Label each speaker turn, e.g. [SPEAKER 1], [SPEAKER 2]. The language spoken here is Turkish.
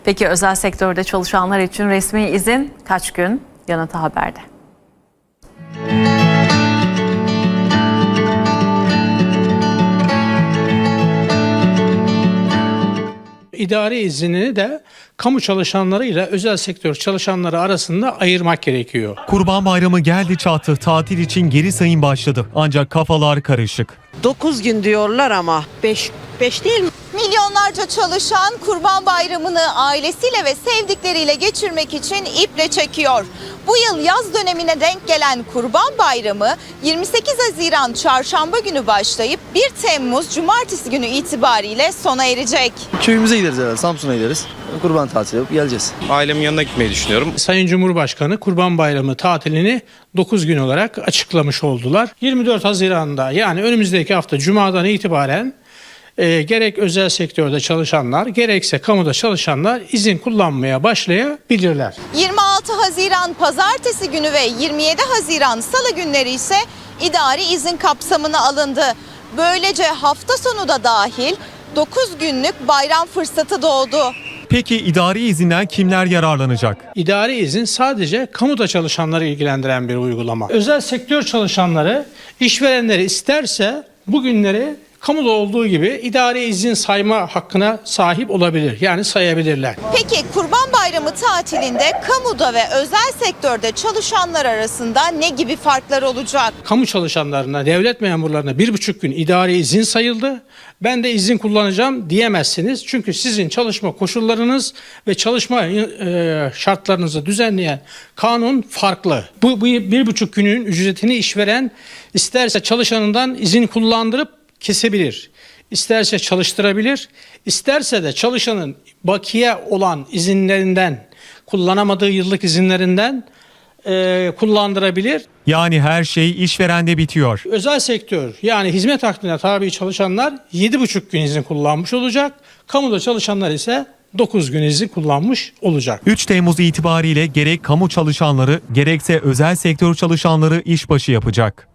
[SPEAKER 1] Peki özel sektörde çalışanlar için resmi izin kaç gün? Yanıtı haberde.
[SPEAKER 2] İdari iznini de kamu çalışanlarıyla özel sektör çalışanları arasında ayırmak gerekiyor.
[SPEAKER 3] Kurban Bayramı geldi çattı. Tatil için geri sayım başladı. Ancak kafalar karışık.
[SPEAKER 4] 9 gün diyorlar ama 5 değil mi?
[SPEAKER 5] Milyonlarca çalışan Kurban Bayramı'nı ailesiyle ve sevdikleriyle geçirmek için iple çekiyor. Bu yıl yaz dönemine denk gelen Kurban Bayramı 28 Haziran Çarşamba günü başlayıp 1 Temmuz Cumartesi günü itibariyle sona erecek.
[SPEAKER 6] Köyümüze gideriz herhalde, Samsun'a gideriz. Kurban tatili yapıp geleceğiz.
[SPEAKER 7] Ailemin yanına gitmeyi düşünüyorum.
[SPEAKER 2] Sayın Cumhurbaşkanı Kurban Bayramı tatilini 9 gün olarak açıklamış oldular. 24 Haziran'da yani önümüzdeki hafta Cuma'dan itibaren gerek özel sektörde çalışanlar gerekse kamuda çalışanlar izin kullanmaya başlayabilirler.
[SPEAKER 5] 26 Haziran Pazartesi günü ve 27 Haziran Salı günleri ise idari izin kapsamına alındı. Böylece hafta sonu da dahil 9 günlük bayram fırsatı doğdu.
[SPEAKER 3] Peki idari izinden kimler yararlanacak?
[SPEAKER 2] İdari izin sadece kamuda çalışanları ilgilendiren bir uygulama. Özel sektör çalışanları işverenleri isterse bu günleri kamuda olduğu gibi idari izin sayma hakkına sahip olabilir. Yani sayabilirler.
[SPEAKER 5] Peki Kurban Bayramı tatilinde kamuda ve özel sektörde çalışanlar arasında ne gibi farklar olacak?
[SPEAKER 2] Kamu çalışanlarına, devlet memurlarına 1,5 gün idari izin sayıldı. Ben de izin kullanacağım diyemezsiniz. Çünkü sizin çalışma koşullarınız ve çalışma şartlarınızı düzenleyen kanun farklı. Bu 1,5 günün ücretini işveren isterse çalışanından izin kullandırıp kesebilir. İsterse çalıştırabilir, isterse de çalışanın bakiye olan izinlerinden, kullanamadığı yıllık izinlerinden kullandırabilir.
[SPEAKER 3] Yani her şey işverende bitiyor.
[SPEAKER 2] Özel sektör yani hizmet akdine tabi çalışanlar 7,5 gün izin kullanmış olacak. Kamuda çalışanlar ise 9 gün izin kullanmış olacak.
[SPEAKER 3] 3 Temmuz itibariyle gerek kamu çalışanları gerekse özel sektör çalışanları işbaşı yapacak.